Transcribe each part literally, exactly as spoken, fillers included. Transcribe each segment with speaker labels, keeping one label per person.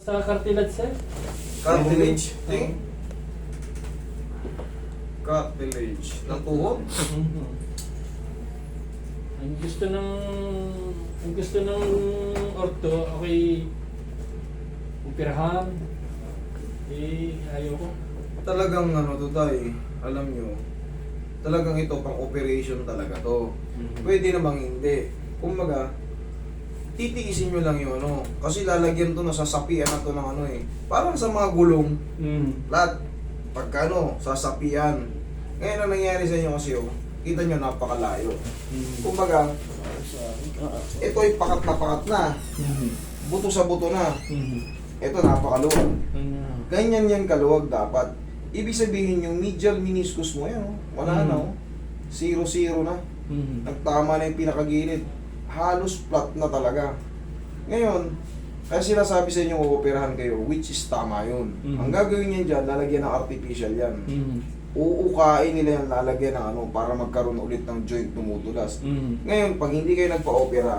Speaker 1: Sa cartilage, sir?
Speaker 2: Cartilage. Ting. Cartilage. Ng tuhod.
Speaker 1: Mhm. Ang gusto ng ang gusto ng orto, okay, upirahan. Eh, ayoko.
Speaker 2: Talagang ano to tayo, alam nyo, talagang ito pang operation talaga to.
Speaker 1: Mhm.
Speaker 2: Pwede namang hindi. Kumbaga, titiisin nyo lang yung ano. Kasi lalagyan to, nasasapian na to ng ano eh. Parang sa mga gulong,
Speaker 1: Mhm.
Speaker 2: lahat, pagka ano, sasapian. Ngayon ang nangyari sa inyo kasi oh, kita nyo napakalayo.
Speaker 1: Mhm.
Speaker 2: Kumbaga, ito ay pakat na pakat na.
Speaker 1: Mhm.
Speaker 2: Buto sa buto na.
Speaker 1: Mhm.
Speaker 2: Ito napakaluwag.
Speaker 1: Mhm.
Speaker 2: Ganyan yan kaluwag dapat. Ibig sabihin yung medial meniscus mo yan, oh. Wala
Speaker 1: Mhm.
Speaker 2: na oh. Zero-zero na.
Speaker 1: Mhm.
Speaker 2: Nagtama na yung pinakagilid. Halos flat na talaga. Ngayon, kaya sinasabi sa inyo uoperahan kayo, which is tama yun.
Speaker 1: Mhm.
Speaker 2: Ang gagawin niyan dyan, lalagyan ng artificial yan.
Speaker 1: Mhm.
Speaker 2: Uukain nila yan, lalagyan ng ano, para magkaroon ulit ng joint tumutulas.
Speaker 1: Mhm.
Speaker 2: Ngayon, pag hindi kayo nagpa-opera,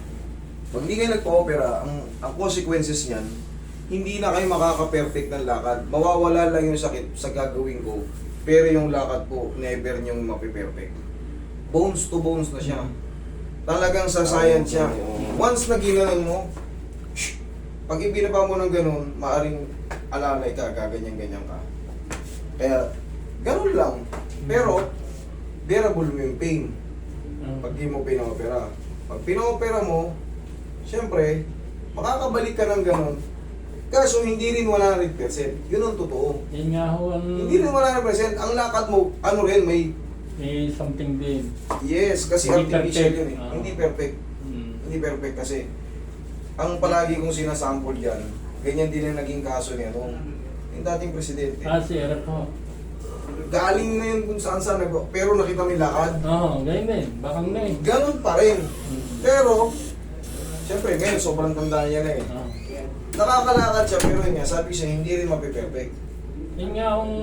Speaker 2: pag hindi kayo nagpa-opera, ang, ang consequences niyan, hindi na kayo makaka-perfect ng lakad. Mawawala lang yung sakit sa gagawin ko, pero yung lakad po, never niyong mapiperfect. Bones to bones na siya. Talagang sa science siya. Once na ginanon mo, shh, pag ibinaba mo ng ganun, maaring alalay ka, gaganyan-ganyan ka. Kaya, ganun lang. Pero, bearable mo yung pain pag di mo pinaopera. Pag pinaopera mo, siyempre, makakabalik ka ng ganun. Kaso hindi rin one hundred percent. Yun ang totoo.
Speaker 1: Yan nga ho ang...
Speaker 2: Hindi rin one hundred percent. Ang lakad mo, ano rin, may...
Speaker 1: May something din.
Speaker 2: Yes, kasi
Speaker 1: Hindi
Speaker 2: artificial
Speaker 1: perfect.
Speaker 2: yun eh.
Speaker 1: Ah.
Speaker 2: Hindi perfect.
Speaker 1: Mhm.
Speaker 2: Hindi perfect kasi ang palagi kong sinasample dyan, ganyan din ang naging kaso niya nung yung dating presidente.
Speaker 1: Ah, si Erap ho.
Speaker 2: Galing na yun kung saan saan, nag- pero nakita mo yung lakad.
Speaker 1: Oo, ganyan din. Bakang na eh.
Speaker 2: Ganon pa rin.
Speaker 1: Mhm.
Speaker 2: Pero, siyempre ngayon, sobrang tanda niya na eh.
Speaker 1: Ah.
Speaker 2: Nakakalakad siya, pero yun nga, sabi siya, hindi rin mapiperfect.
Speaker 1: Yun nga ang...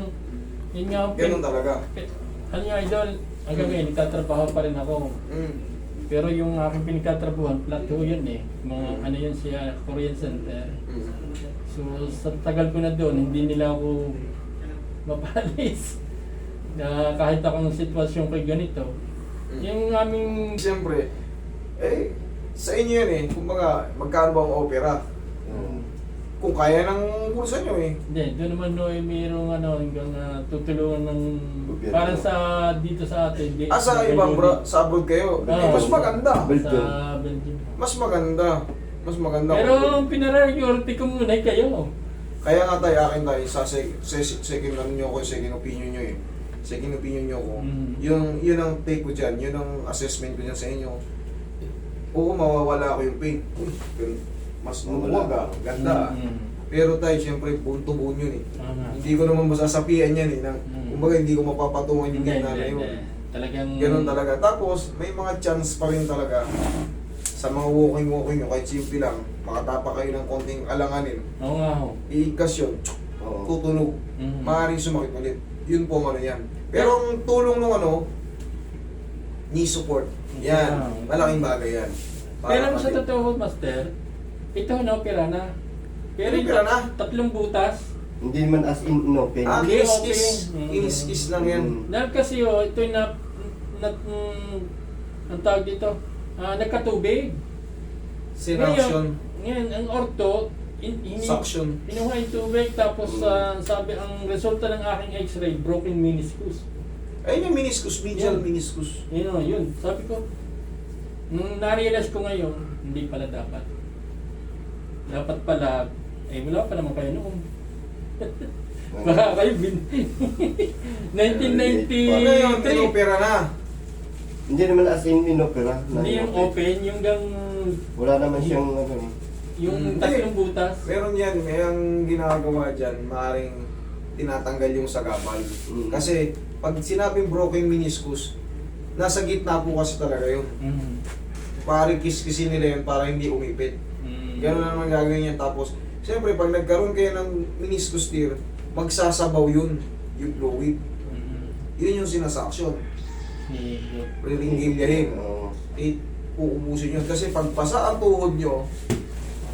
Speaker 1: Yun nga ang...
Speaker 2: Ganon talaga.
Speaker 1: Ano nga, idol? Hanggang ngayon, nagtatrabaho pa rin ako.
Speaker 2: Mm.
Speaker 1: Pero yung aking pinagtatrabuhan, flat ho yun eh. Mga ano yun siya, Korean Center.
Speaker 2: Mm.
Speaker 1: So sa tagal ko na doon, hindi nila ako mapalis. Na kahit akong sitwasyon kay ganito.
Speaker 2: Mm.
Speaker 1: Yung aming...
Speaker 2: Siyempre, eh, sa inyo yan eh, kumbaga, magkano ba ang opera?
Speaker 3: Mm.
Speaker 2: Kung kaya ng bulsa nyo eh.
Speaker 1: Hindi, doon naman no, eh, mayroong ano, hanggang uh, tutulungan ng...
Speaker 3: Gobyerno.
Speaker 1: Parang sa dito sa atin. Di,
Speaker 2: Ah, sa ibang bra, sa abroad kayo,
Speaker 1: Oo.
Speaker 2: eh, mas maganda.
Speaker 3: Belgium.
Speaker 1: Sa Belgium.
Speaker 2: Mas maganda. Mas maganda.
Speaker 1: Pero ang pinararyority ko muna ay kayo.
Speaker 2: Kaya nga tayo, akin tayo, sa sec- se- second ano nyo ko, second opinion nyo eh. Second opinion nyo ko.
Speaker 1: Mm.
Speaker 2: Yung, yun ang take ko dyan, yun ang assessment ko dyan sa inyo. Oo, mawawala ko yung pain. Uy, pero mas lumuwag ah, ganda ah.
Speaker 1: Mm.
Speaker 2: Pero tayo, syempre, buon to buon yun eh.
Speaker 1: Tama.
Speaker 2: Hindi ko naman masasapian yan eh. Nang,
Speaker 1: Mm.
Speaker 2: kumbaga, hindi ko mapapatungan yung
Speaker 1: Hindi,
Speaker 2: ganda na
Speaker 1: hindi,
Speaker 2: yun.
Speaker 1: hindi. Talagang...
Speaker 2: Ganun talaga. Tapos, may mga chance pa rin talaga sa mga walking-walking nyo, kahit simple lang, makatapa kayo ng konting alanganin,
Speaker 1: Oo nga ho.
Speaker 2: iikas yun,
Speaker 3: Oo.
Speaker 2: tutunog,
Speaker 1: Mm.
Speaker 2: maaaring sumakit ulit. Yun po ang ano yan. Pero ang tulong ng ano, knee support. Yan,
Speaker 1: Yeah.
Speaker 2: malaking bagay yan.
Speaker 1: Pero sa
Speaker 2: pati-
Speaker 1: totoo, Master, ito na-opera na. Pero yung
Speaker 2: Na-opera na?
Speaker 1: tatlong butas,
Speaker 3: Hindi naman as in inopen.
Speaker 2: Ah,
Speaker 1: Hindi,
Speaker 2: kinis-kiss.
Speaker 1: okay. Mm.
Speaker 2: Kinis-kiss lang yan.
Speaker 3: Mm.
Speaker 1: dahil kasi oh, ito yung na, na, mm, ang tawag dito, ah, nagkatubig.
Speaker 2: Sinaction,
Speaker 1: Ngayon, ang orto, in, ini,
Speaker 2: suction.
Speaker 1: pinuha yung tubig, tapos ah, sabi, ang resulta ng aking x-ray, broken meniscus.
Speaker 2: Ayun yung meniscus, medial
Speaker 1: Yan.
Speaker 2: meniscus.
Speaker 1: Yun o, yun. Sabi ko, nung na-realize ko ngayon, hindi pala dapat. Dapat pala, eh wala pa naman kayo noon. Baka kayo bin... nineteen ninety-three.
Speaker 2: Ano yun, inopera na.
Speaker 3: Hindi naman as in inopera. na
Speaker 1: Hindi yung
Speaker 3: inopen.
Speaker 1: open, yung gang...
Speaker 3: Wala naman siyang ano eh.
Speaker 1: Yung
Speaker 2: Hindi.
Speaker 1: tatlong butas.
Speaker 2: Meron yan, may ang ginagawa dyan, maaaring tinatanggal yung sagabal.
Speaker 3: Mm.
Speaker 2: Kasi pag sinabing broken meniscus, nasa gitna po kasi talaga yun.
Speaker 1: Mm.
Speaker 2: Parang kiskisin nila yun para hindi umipit.
Speaker 1: Mm.
Speaker 2: Ganun na naman gagawin yan. Tapos, siyempre, pag nagkaroon kayo ng meniscus tear, magsasabaw yun, yung fluid.
Speaker 1: Mm.
Speaker 2: Yun yung sinasaksyon.
Speaker 1: Sige.
Speaker 2: Rilinggilyahin.
Speaker 3: Oo.
Speaker 2: Eh, uubusin yun. Kasi pag pasa ang tuhod nyo,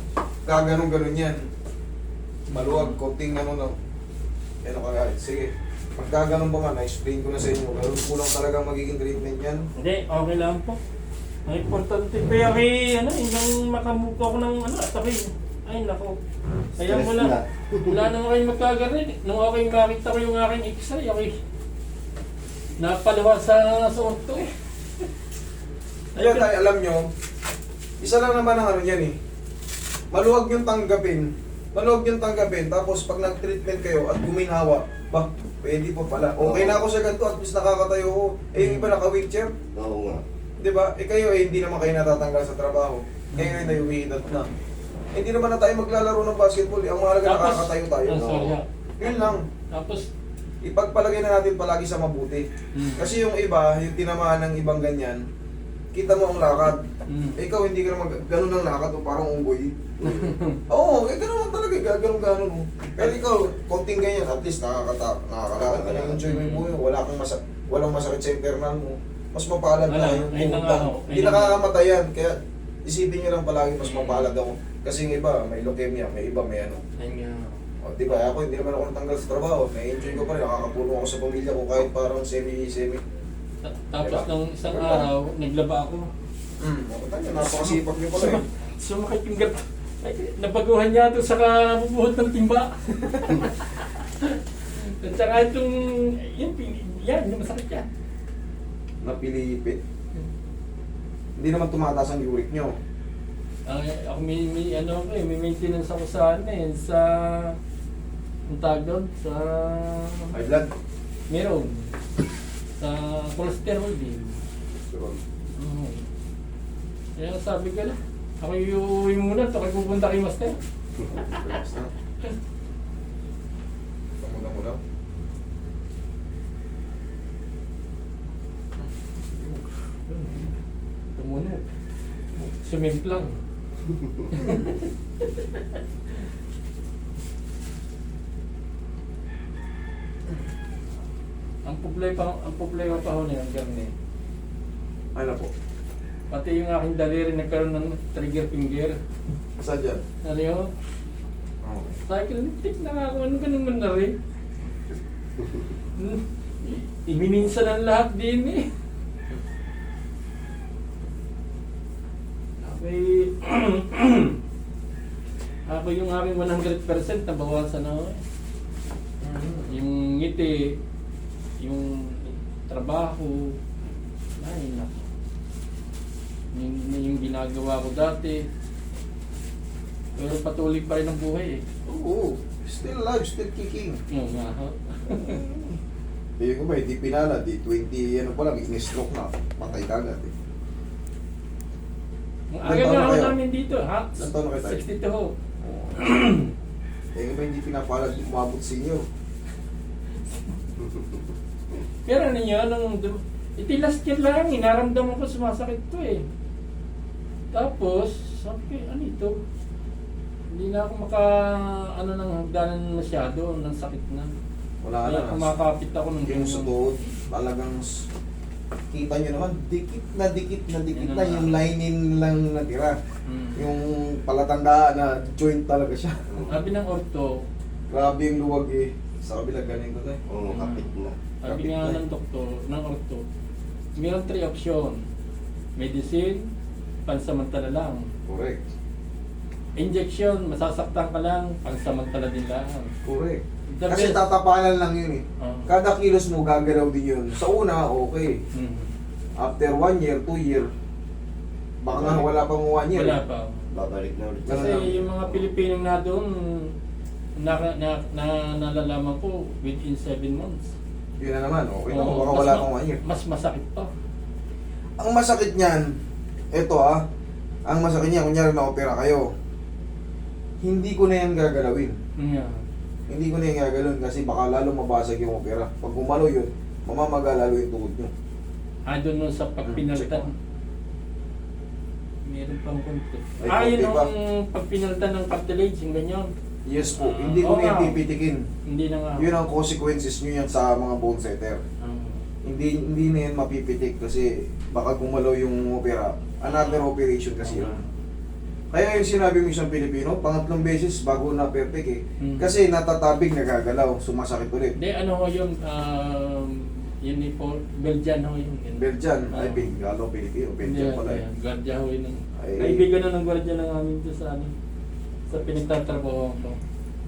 Speaker 2: gaganong-ganon yan. Maluwag, konting ano no. Ano ka sige. Pag gaganon ba nga, na-explain ko na sa inyo. Meron kulang talagang magiging treatment yan.
Speaker 1: Hindi, okay lang po. Ang importante pa yung eh, ano, yung makamuko ko ng ano, atake. Ay, nako. Kaya
Speaker 3: Stress
Speaker 1: wala,
Speaker 3: na.
Speaker 1: wala naman kayong magkagarin. Nung okay makita ko yung aking x-ray, okay. Napalawa sa sa orto eh.
Speaker 2: Kaya tayo, alam nyo, isa lang naman ang ano yan eh. Maluwag yung tanggapin. Maluwag yung tanggapin. Tapos pag nag-treatment kayo at guminawa, ba, pwede po pala. Okay na ako sa ganito, at least nakakatayo ko. Eh, yung iba naka-wheelchair.
Speaker 3: Oo nga.
Speaker 2: Di ba? Eh kayo eh, hindi naman kayo natatanggal sa trabaho. Kayo eh, nayumihinat na. Eh, hindi naman na tayo maglalaro ng basketball. Eh. Ang mahalaga
Speaker 1: Tapos-
Speaker 2: nakakatayo tayo.
Speaker 1: Oh, sorry, ah.
Speaker 2: Yun lang.
Speaker 1: Tapos,
Speaker 2: Ipagpalagay na natin palagi sa mabuti.
Speaker 1: Mm.
Speaker 2: Kasi yung iba, yung tinamaan ng ibang ganyan, kita mo ang lakad.
Speaker 1: mm,
Speaker 2: Eh, ikaw hindi ka naman ganun ang lakad o parang unggoy. Oo, eh ganun lang talaga, gaganong ganon mo. Pero ikaw, konting ganyan, at least nakakata, nakakalakad ka na, enjoy mo yung buhay mo, wala kang masa, walang masakit sa internal mo. Mas mapalad
Speaker 1: Wala,
Speaker 2: na yung
Speaker 1: ayun na
Speaker 2: tuhod
Speaker 1: nga
Speaker 2: lang.
Speaker 1: ako,
Speaker 2: Hindi
Speaker 1: ayun na nga.
Speaker 2: nakakamatay yan, kaya isipin nyo lang palagi mas mapalad ako. Kasi yung iba, may leukemia, may iba, may ano.
Speaker 1: ayun nga.
Speaker 2: O, di ba, ako hindi naman ako natanggal sa trabaho. Na-enjoy ko pa rin, nakakapulong ako sa pamilya ko kahit parang semi-semi.
Speaker 1: Ta- Tapos
Speaker 2: Diba?
Speaker 1: nung isang
Speaker 2: Diba?
Speaker 1: araw, naglaba ako.
Speaker 2: Hmm, o, tanya, napakasipag niyo pala eh.
Speaker 1: Sumakit yung gat. Ay, nabaguhan niya ito sa kabubuhod ng timba. At saka itong, yan, pin- yan, yung masakit yan.
Speaker 2: Napilipit. Hindi naman tumataas ang uric nyo.
Speaker 1: Ay, ako may, may, ano, ako eh, may maintenance ako sa, ano eh, sa, ang tawag doon, sa,
Speaker 2: High blood.
Speaker 1: meron, sa cholesterol din.
Speaker 2: Sure.
Speaker 1: Oo. Kaya sabi ko lang, ako iuwi muna, ito kayo pupunta kay Master.
Speaker 2: Relax na. Pamula mo daw.
Speaker 1: Tumunog. Sumimplang. ang problema ang problema pa ho na yung garne.
Speaker 2: Ano po?
Speaker 1: Pati yung aking daliri nagkaroon ng trigger finger.
Speaker 2: Saan dyan?
Speaker 1: Ano yun?
Speaker 2: Okay.
Speaker 1: Cycle tip na nga ako, ano ka naman na rin? Hmm. Imininsan ang lahat din eh. Okay. Ako yung aking one hundred percent nabawasan ako eh. Yung ngiti, yung trabaho, ay nako. Yung, yung ginagawa ko dati. Pero patuloy pa rin ang buhay eh.
Speaker 2: Oo. Still alive, still kicking.
Speaker 1: Oo nga ho.
Speaker 2: Eh, ko ba, hindi pinala, di twenty, ano pa lang, in-stroke na. Patay ka agad eh.
Speaker 1: Ang
Speaker 2: Ilan
Speaker 1: aga
Speaker 2: taon
Speaker 1: nga
Speaker 2: na
Speaker 1: ako
Speaker 2: kayo?
Speaker 1: namin dito, ha?
Speaker 2: Ilan taon na kayo tayo?
Speaker 1: sixty-two ho.
Speaker 2: Oo. Eh, ko ba, hindi pinapalad, umabot senior.
Speaker 1: Pero ano yun, nung, ito last year lang, inaramdaman ko sumasakit to eh. Tapos, sabi ko, ano ito? Hindi na ako maka, ano nang hagdanan masyado, ng sakit na.
Speaker 2: Wala
Speaker 1: Kaya
Speaker 2: na.
Speaker 1: kumakapit ako ng
Speaker 2: Yung sa tuhod, talagang s- kita nyo naman, dikit na dikit na dikit
Speaker 1: Yan
Speaker 2: na
Speaker 1: ang-
Speaker 2: yung lining lang natira.
Speaker 1: Hmm.
Speaker 2: Yung palatandaan na joint talaga siya.
Speaker 1: Sabi ng orto,
Speaker 2: Grabe yung luwag eh. Sa kabila ganito tayo.
Speaker 3: Oo, kapit na.
Speaker 1: sabi
Speaker 2: Kapit
Speaker 1: nga
Speaker 2: na.
Speaker 1: ng doktor, ng orto, mayroon three option. Medicine, pansamantala lang.
Speaker 2: Correct.
Speaker 1: Injection, masasaktan ka lang, pansamantala din lang.
Speaker 2: Correct.
Speaker 1: The
Speaker 2: Kasi
Speaker 1: best-
Speaker 2: tatapalan lang yun eh.
Speaker 1: Ah.
Speaker 2: Kada kilos mo gagalaw din yun. Sa una, okay.
Speaker 1: Hmm.
Speaker 2: After one year, two year, baka nga wala pang one year.
Speaker 1: Wala pa.
Speaker 3: Babalik na ulit.
Speaker 2: Ganun
Speaker 1: Kasi
Speaker 2: lang.
Speaker 1: yung mga Pilipinong na doon, na, na, na, nalalaman ko within seven months.
Speaker 2: Yun na naman, okay na.
Speaker 1: Oo,
Speaker 2: Baka
Speaker 1: mas
Speaker 2: wala
Speaker 1: ma-
Speaker 2: pang one year.
Speaker 1: Mas masakit pa.
Speaker 2: Ang masakit niyan, eto ah, ang masakit niyan, kunyari na-opera kayo, hindi ko na yan gagalawin.
Speaker 1: Yeah.
Speaker 2: Hindi ko na yan gagalawin kasi baka lalo mabasag yung opera. Pag gumalo yun, mamamaga lalo yung tuhod nyo.
Speaker 1: Ah, doon nun sa
Speaker 2: Hmm, check
Speaker 1: pagpinaltan.
Speaker 2: mo.
Speaker 1: Meron pang konti.
Speaker 2: Ay,
Speaker 1: Ah, yun
Speaker 2: konti pa.
Speaker 1: ang pagpinaltan ng cartilage, yung ganyan.
Speaker 2: Yes po,
Speaker 1: Ah,
Speaker 2: hindi ko
Speaker 1: oo
Speaker 2: na yan
Speaker 1: nga.
Speaker 2: pipitikin.
Speaker 1: Hindi na nga.
Speaker 2: Yun ang consequences nyo yan sa mga bone setter.
Speaker 1: Ah.
Speaker 2: Hindi hindi na yan mapipitik kasi baka gumalaw yung opera. Another operation kasi yun. Kaya yung sinabi mo isang Pilipino, pangatlong beses bago na perfect eh.
Speaker 1: Hmm.
Speaker 2: Kasi natatabig, nagagalaw, sumasakit ulit.
Speaker 1: Hindi, ano ho yung, um, yun ni Paul, Belgian ho yung.
Speaker 2: Belgian,
Speaker 1: Ah.
Speaker 2: ay Bengalo, Pilipino, Belgian
Speaker 1: Hindi,
Speaker 2: pala eh.
Speaker 1: ayan, Guardia ho yun.
Speaker 2: Ay.
Speaker 1: Kaibigan na ng guardia ng amin to sa ano, sa pinagtatrabaho ko.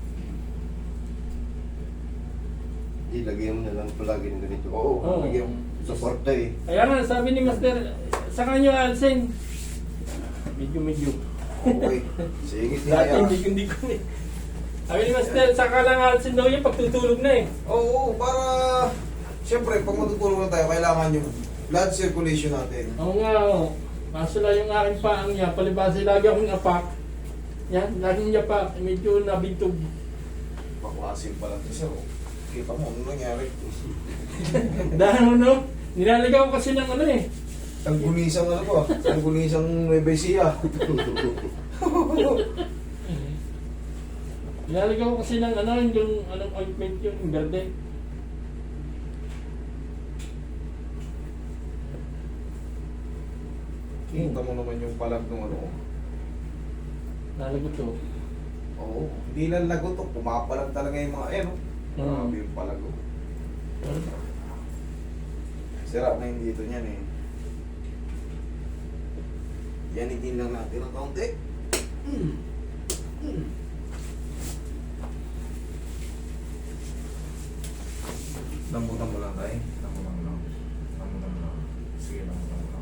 Speaker 3: Hindi, lagyan mo na lang palagi ng ganito.
Speaker 2: Oo,
Speaker 1: Oo.
Speaker 2: lagyan mo.
Speaker 3: Suporta eh.
Speaker 1: Kaya nga, sabi ni Master, sa kanyo Alsen, medyo-medyo.
Speaker 2: Okay. Sige,
Speaker 1: Dati
Speaker 2: tiyaya.
Speaker 1: hindi ko hindi ko eh. Sabi ni Master, saka lang Alsen daw yung pagtutulog na eh.
Speaker 2: Oo, para... Siyempre, pag matutulog na tayo, kailangan yung blood circulation natin.
Speaker 1: Oo nga, oo. Kaso lang yung aking paang niya, palibasa lagi akong apak. Yan, laging yapak, medyo nabintog.
Speaker 2: Paklasin pala ito sir. oh. Kita mo, ano nangyari?
Speaker 1: Dahil ano, nilaligaw ko kasi ng ano eh.
Speaker 2: Tanggulisang ano ba? Tanggulisang Nueva Ecija.
Speaker 1: Nilaligaw ko kasi ng ano, yung anong ointment yun, yung verde.
Speaker 2: Kita mo naman yung palag ng ano.
Speaker 1: Nalagot to.
Speaker 2: Oo, hindi lang lagot to. Pumapalag talaga yung mga, eh no?
Speaker 1: Mm.
Speaker 2: Grabe yung palag oh. Sira na yung dito niyan eh. Yanigin lang natin ang kaunti. Mm. Mm. Lambutan mo lang tayo. Lambutan mo lang. Lambutan mo lang. Sige, lambutan mo lang.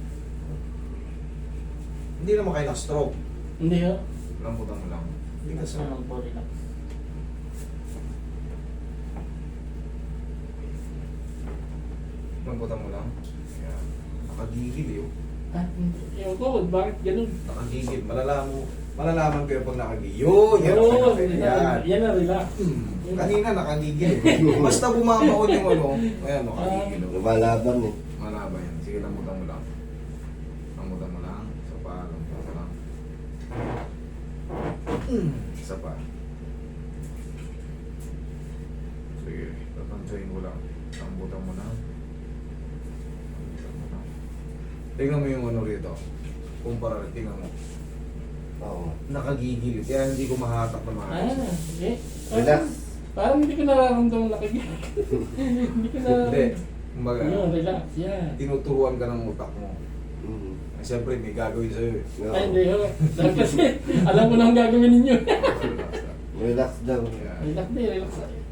Speaker 2: Hindi naman kayo na-stroke.
Speaker 1: Hindi ha?
Speaker 2: Lambutan mo lang. Hindi ka sa...
Speaker 1: Ano po relax.
Speaker 2: Lambutan mo lang. Ayan. Nakagigil eh. oh.
Speaker 1: Ah, hindi. Ewan ko, bakit ganun?
Speaker 2: Nakagigil. Malalaman mo. Malalaman ko yung pag nakagigil. Yun! Yan!
Speaker 1: Oo,
Speaker 2: ang
Speaker 1: yan,
Speaker 2: Yan!
Speaker 1: yan na relax.
Speaker 2: Hmm. Kanina nakagigil. Basta bumabaon yung ano. Ayan, nakagigil. oh.
Speaker 3: Lumalaban eh.
Speaker 2: Malaba yan. Sige, lambutan mo lang. Lambutan mo lang. Isa pa. Lambutan mo lang. Mm. Isa pa. Sige, tatansayin ko lang. Lambutan mo lang. Lambutan mo lang. Tingnan mo yung ano rito. Kumpara rin, tingnan mo.
Speaker 3: Oo.
Speaker 2: Nakagigil. Kaya hindi ko mahatak na
Speaker 1: Ah,
Speaker 2: mahatak.
Speaker 1: okay.
Speaker 3: Relax.
Speaker 1: Parang hindi ko nararamdaman nakagigil. Hindi ko
Speaker 2: Hindi.
Speaker 1: nararamdaman.
Speaker 2: Kumbaga,
Speaker 1: Yun, relax, yan.
Speaker 2: tinuturuan ka ng utak mo.
Speaker 3: Mm.
Speaker 2: Eh, Siyempre, may gagawin sa'yo eh.
Speaker 3: Oo.
Speaker 1: Ay, hindi ho. Dahil kasi, alam ko na ang gagawin ninyo.
Speaker 2: Relax lang.
Speaker 3: Relax daw.
Speaker 2: Yan.
Speaker 1: Relax din, relax.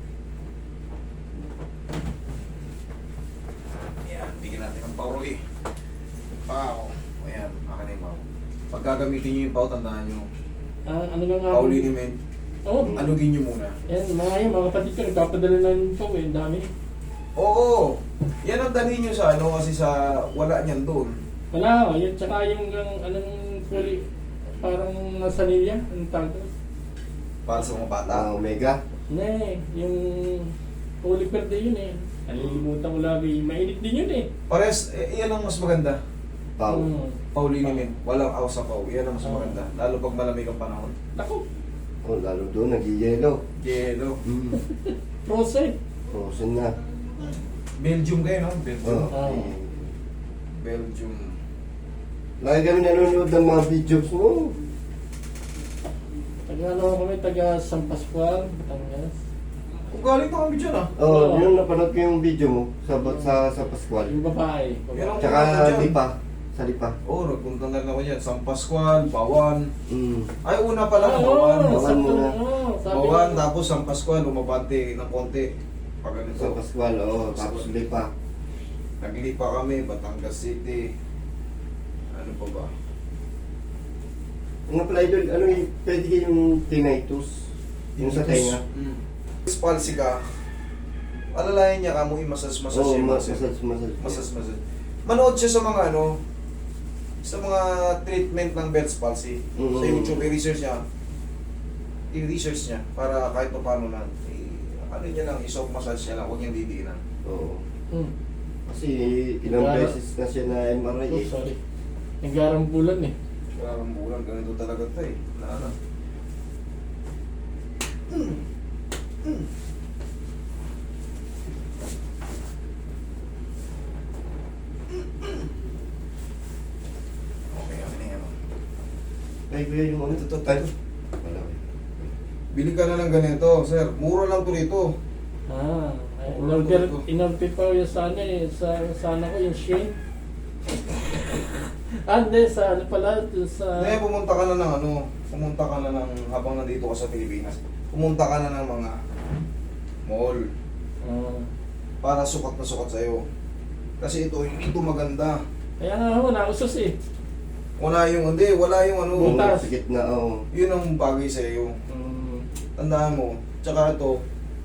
Speaker 2: Ayan, bigyan natin ng power ulit. Pow. Ayan, akin na yung power. Pag gagamitin nyo yung power, tandaan nyo.
Speaker 1: Ah, ano nga nga?
Speaker 2: Power liniment,
Speaker 1: Oo.
Speaker 2: alugin nyo muna.
Speaker 1: Yan, mga yan, mga kapatid ko, nagpapadala ng po eh, ang dami.
Speaker 2: Oo, yan ang dalhin nyo sa ano kasi sa wala niyan doon.
Speaker 1: Wala, oh, yun, tsaka yung, yung anong puli, parang nasa nilya, anong tawag doon?
Speaker 2: Para sa mga bata.
Speaker 3: Ah, Omega.
Speaker 1: Hindi, yung Holy Verde yun eh. Nalilimutan ko lagi, mainit din yun eh.
Speaker 2: Pares, eh, yan ang mas maganda.
Speaker 3: Pau.
Speaker 1: Hmm.
Speaker 2: Power liniment, walang awas sa power. Yan ang mas
Speaker 1: Oo.
Speaker 2: maganda. Lalo pag malamig ang panahon.
Speaker 1: Naku,
Speaker 3: Oh, lalo doon, nag-yellow.
Speaker 2: Yelo.
Speaker 3: Mm.
Speaker 1: frozen.
Speaker 3: Frozen na.
Speaker 2: Belgium kayo, no? Belgium.
Speaker 3: Oh.
Speaker 1: Oo.
Speaker 2: Belgium.
Speaker 3: Lagi kami nanonood ng mga videos mo.
Speaker 1: Taga ano kami, taga San Pascual, Batangas.
Speaker 2: Kung galing pa kami dyan ah.
Speaker 3: Oh,
Speaker 1: Oo.
Speaker 3: yun napanood ko yung video mo sa sa sa Pascual.
Speaker 1: Yung babae.
Speaker 2: Meron
Speaker 3: Tsaka
Speaker 2: ako dyan.
Speaker 3: Lipa. Sa Lipa.
Speaker 2: Oo, oh, nagpunta na rin ako dyan. San Pascual, Bawan.
Speaker 3: Mm.
Speaker 2: Ay, una pa lang,
Speaker 1: Oo,
Speaker 2: Bawan.
Speaker 3: Bawan
Speaker 1: sabi-
Speaker 3: muna.
Speaker 1: oo, sabi
Speaker 2: Bawan,
Speaker 1: ko.
Speaker 2: tapos San Pascual, umabante ng konti. Pag ano
Speaker 3: Sa Pascual, oh, tapos Lipa.
Speaker 2: Naglipa kami, Batangas City. Ano pa ba?
Speaker 3: Ano pala idol, ano yung pwede kayong tinnitus? Yung sa tenga?
Speaker 2: Mm. Palsy ka. Alalayan niya ka mo, i-massage-massage
Speaker 3: Oo,
Speaker 2: yung
Speaker 3: mas-
Speaker 2: muscle.
Speaker 3: massage, massage.
Speaker 2: Massage-massage. Manood siya sa mga ano, sa mga treatment ng Bell's palsy.
Speaker 3: Mhm.
Speaker 2: Sa YouTube, i-research niya. I-research niya para kahit pa paano na, i- ano niya lang, i-soft massage niya lang, huwag niyang didiinan.
Speaker 3: Oo.
Speaker 1: Hmm.
Speaker 3: Kasi ilang
Speaker 1: Nagara-
Speaker 3: beses na siya na M R I
Speaker 1: Oh,
Speaker 3: eh.
Speaker 1: sorry. Naggarambulan eh.
Speaker 2: Parang bulan, ganito talaga ito eh. Na ano. Okay, okay na yan.
Speaker 3: Ay, Kay kuya yung ano.
Speaker 2: Ito, ito, ito.
Speaker 3: Ay, malaki.
Speaker 2: Bili ka na ng ganito, sir. Mura lang to rito.
Speaker 1: Ah, ay,
Speaker 2: Wala
Speaker 1: in-order,
Speaker 2: ko ito.
Speaker 1: in-order pa yung sana eh, sa, sana ko yung shake. Ah, hindi, sa ano pala, sa...
Speaker 2: Hindi, pumunta ka na ng ano, pumunta ka na ng, habang nandito ka sa Pilipinas, pumunta ka na ng mga mall
Speaker 1: Ah.
Speaker 2: para sukat na sukat sa'yo. Kasi ito, hindi ito maganda.
Speaker 1: Kaya nga ako, nausos eh.
Speaker 2: Wala yung, hindi, wala yung ano,
Speaker 1: Butas.
Speaker 3: Sa gitna, oo.
Speaker 2: yun ang bagay sa'yo.
Speaker 1: Mm.
Speaker 2: Tandaan mo, tsaka ito,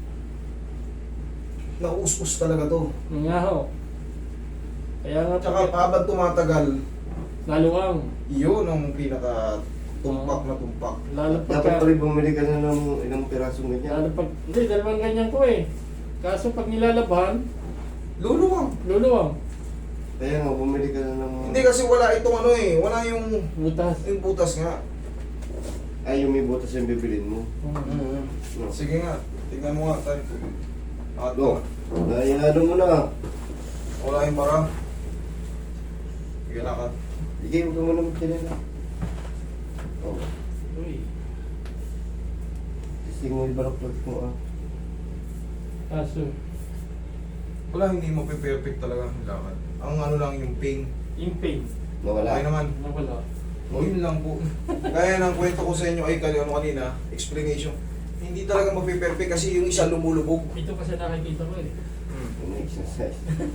Speaker 2: naus-us talaga to.
Speaker 1: Yun nga ho. Kaya nga,
Speaker 2: Tsaka habang tumatagal,
Speaker 1: naluwang.
Speaker 2: yun ang pinaka tumpak na tumpak.
Speaker 1: Lalo
Speaker 3: Dapat
Speaker 1: pagka,
Speaker 3: pala bumili ka na ng ilang pirasong ganyan.
Speaker 1: lalo pag, hindi, dalawang ganyan ko eh. Kaso pag nilalabhan,
Speaker 2: Luluwang.
Speaker 1: luluwang.
Speaker 3: Kaya nga, bumili ka na ng...
Speaker 2: Hindi kasi wala itong ano eh, wala yung,
Speaker 1: Butas.
Speaker 2: yung butas nga.
Speaker 3: Ay, yung may butas yung bibilin mo.
Speaker 1: Mm.
Speaker 3: No.
Speaker 2: Sige nga, tingnan mo nga tayo. At
Speaker 3: No. Naiano mo na.
Speaker 2: wala yung para. Sige na ka.
Speaker 3: Sige, huwag ka muna magkinila. Oh.
Speaker 1: Uy.
Speaker 3: Testing mo yung balaktot mo ah.
Speaker 1: Kaso,
Speaker 2: Wala, hindi mo perfect talaga ang lakad. Ang ano lang yung pain.
Speaker 1: yung pain,
Speaker 3: Nawala.
Speaker 2: Okay naman.
Speaker 1: nawala.
Speaker 2: O yun lang po. Kaya nang kwento ko sa inyo ay kali ano kanina, explanation. Hindi talaga mapiperfect kasi yung isa lumulubog.
Speaker 1: Ito kasi nakikita ko eh.
Speaker 3: Yung exercise.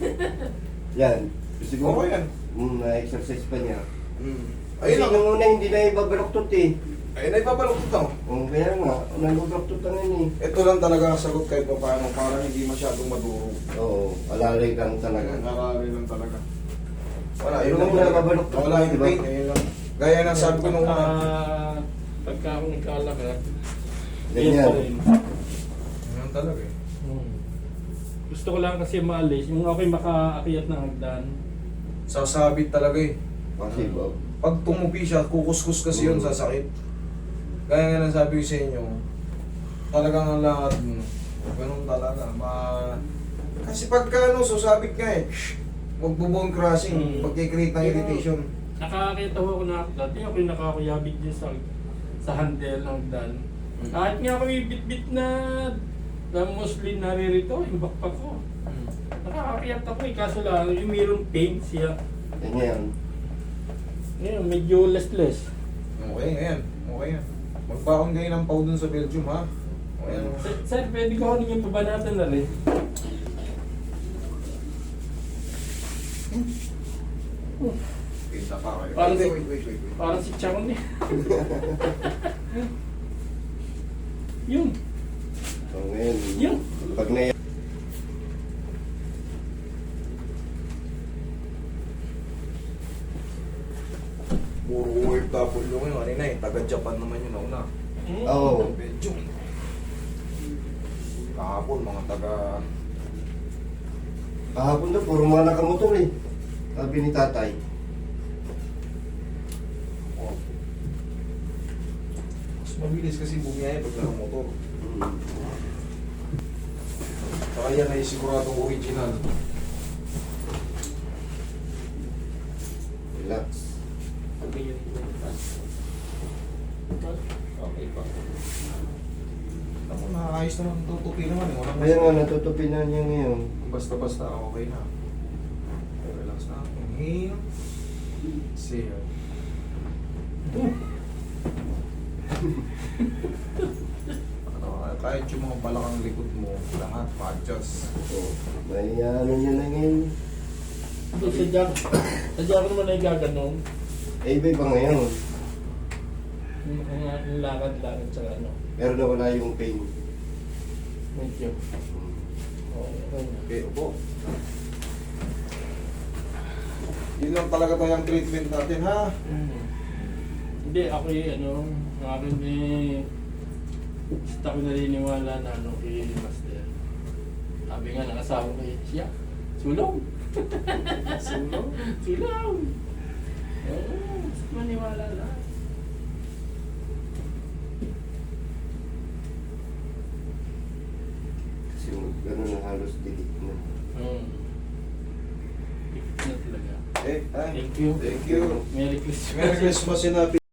Speaker 3: Yan. Siguro.
Speaker 2: Okay yan.
Speaker 3: Mm, na-exercise pa niya.
Speaker 2: Mm.
Speaker 3: Ayun
Speaker 2: Ayun
Speaker 3: lang.
Speaker 2: lang.
Speaker 3: Yung una hindi na ibabalaktot eh.
Speaker 2: Ayun na ipabaluktot ako.
Speaker 3: Oh, kaya nga. Nag-balaktot na yun eh.
Speaker 2: Ito lang talaga ang sagot kahit pa paano para hindi masyadong maduro.
Speaker 3: Oo. Alalay lang talaga.
Speaker 2: Narari lang talaga. Wala,
Speaker 3: Pero
Speaker 2: yun lang
Speaker 3: kung
Speaker 2: talaga.
Speaker 3: nababaluktot
Speaker 2: Wala yung
Speaker 3: diba?
Speaker 2: pain, ayun lang. Gaya ng sabi ko nung una.
Speaker 1: Pagka, pagka ako nagkalakad,
Speaker 3: Ganyan.
Speaker 1: yan pa rin.
Speaker 2: Ayun talaga eh.
Speaker 1: Hmm. Gusto ko lang kasi maalis, yung ako'y makaakyat ng hagdan.
Speaker 2: Sasabit talaga eh.
Speaker 3: Kasi Bob.
Speaker 2: Pag tumupi siya, kukuskus kasi yun,
Speaker 3: Mm.
Speaker 2: sasakit. Kaya nga nang sabi ko sa inyo, talagang ang lakad mo, ganun talaga. Ma... Kasi pagka ano, susabit ka eh, magbubone crossing,
Speaker 1: Mm.
Speaker 2: magkikreate ng irritation.
Speaker 1: Nakakita ko ako na dati ako'y nakakuyabit din sa sa handle ng hagdan. Kahit nga ako'y bit-bit na na mostly naririto, yung backpack ko. Nakakakyat ako eh, kaso lang, yung mayroong pain siya.
Speaker 3: Ganyan.
Speaker 1: Ngayon, medyo less-less.
Speaker 2: Okay, ngayon. Okay yan. Magbaon kayo ng pau dun sa Belgium, ha? Okay yan.
Speaker 1: Sir, sir, pwede ko ano yung pabanatan na rin.
Speaker 2: Kita pa kayo.
Speaker 1: Parang
Speaker 2: Wait,
Speaker 1: si-
Speaker 2: wait, wait, wait, wait.
Speaker 1: Parang si Chang eh. Yun,
Speaker 3: So ngayon.
Speaker 1: yun.
Speaker 3: Pag na
Speaker 2: Puro O F W ngayon. Kanina eh, taga-Japan naman yun nauna.
Speaker 3: Oo.
Speaker 2: Belgium. Kahapon, mga taga...
Speaker 3: Kahapon daw, puro mga nakamotor eh. Sabi ni tatay.
Speaker 2: Oh. Mas mabilis kasi bumiyaya pag nakamotor.
Speaker 3: Mm.
Speaker 2: Saka yan ay siguradong original.
Speaker 3: Relax.
Speaker 1: Okay pa.
Speaker 2: Ako, naayos naman, tutupi naman eh. Walang
Speaker 3: Kaya nga, natutupi na niya ngayon.
Speaker 2: basta-basta, okay na. Okay, relax na. Inhale. Exhale. Ano, kahit yung mga balakang likod mo, lahat pa-adjust.
Speaker 3: So, may ano niya na ngayon.
Speaker 1: Hindi, sadya, sadya ko naman ay gaganong.
Speaker 3: Eh, iba iba ngayon.
Speaker 1: Yung, yung, yung lakad-lakad sa ano.
Speaker 3: Pero nawala yung pain.
Speaker 1: Medyo. Oo, okay na.
Speaker 2: Okay, upo. Yun lang talaga tayong treatment natin, ha?
Speaker 1: Mm. Hindi, ako yung ano, ang akin eh, basta ko naniniwala na ano kay Master. Sabi nga ng asawa ko eh, siya, sulong.
Speaker 2: Sulong?
Speaker 1: Sulong. Oo, basta maniwala lang.
Speaker 3: Kasi gano'n na halos delete na.
Speaker 1: Hmm. Ikot na talaga.
Speaker 2: Eh, ay,
Speaker 1: Thank you.
Speaker 2: thank you.
Speaker 1: Merry Christmas.
Speaker 2: Merry Christmas, sinabi.